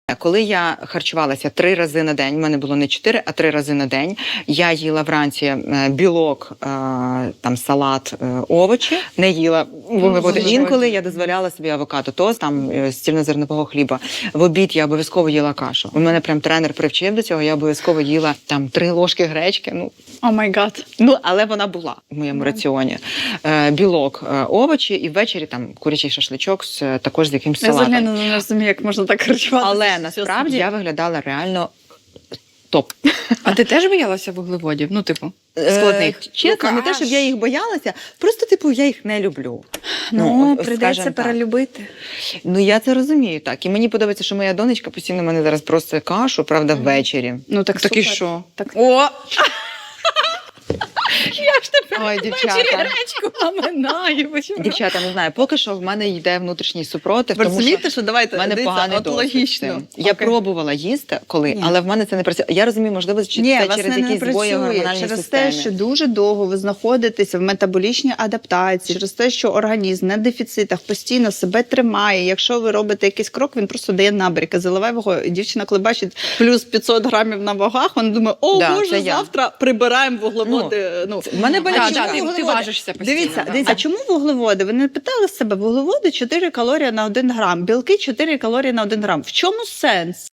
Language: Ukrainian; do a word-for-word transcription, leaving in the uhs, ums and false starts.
Коли я харчувалася три рази на день, в мене було не чотири, а три рази на день, я їла вранці е, білок, е, там салат, е, овочі, не їла вуглеводи. Інколи я дозволяла собі авокадо, тост, там е, з цільнозернового хліба. В обід я обов'язково їла кашу. У мене прям тренер привчив до цього, я обов'язково їла там три ложки гречки. Ну, О май гад. ну але вона була в моєму раціоні. Е, білок, е, овочі і ввечері там курячий шашличок з, е, також з якимсь Я салатом. взагалі не розумію, як можна так харчуватися. Але насправді я виглядала реально топ. А ти теж боялася вуглеводів? Ну, типу, складних? Е, чесно, не те, щоб я їх боялася, просто, типу, я їх не люблю. Ну, от, прийдеться скажем так. перелюбити. Ну, я це розумію, так. І мені подобається, що моя донечка постійно мене зараз просить кашу, правда, ввечері. Ну, так, Так і супер. що? Так. О! Я ж тепер Ой, дівчата. гречку ламинаю. Дівчата, не знаю, поки що в мене йде внутрішній супротив, Ви тому що розумієте, що давайте, в мене дивіться, поганий от досвід з логічно. цим. Я Окей. пробувала їсти коли, Ні. але в мене це не працює. Я розумію, можливо, чи Ні, це вас через не, не якісь збої в працює гормональній через системі. те, що дуже довго ви знаходитеся в метаболічній адаптації, через те, що організм на дефіцитах постійно себе тримає. Якщо ви робите якийсь крок, він просто дає набріки. Заливай вагою. І дівчина, коли бачить плюс п'ятсот грамів на вагах, вона думає, о, Да, боже, це я. завтра прибираємо вуглеводи. Ну, В мене Так, болячка. так, ти, ти вуглеводи? важишся постійно. Дивіться, да. дивіться, а чому вуглеводи? Ви не питали себе, вуглеводи чотири калорії на один грам, білки чотири калорії на один грам. В чому сенс?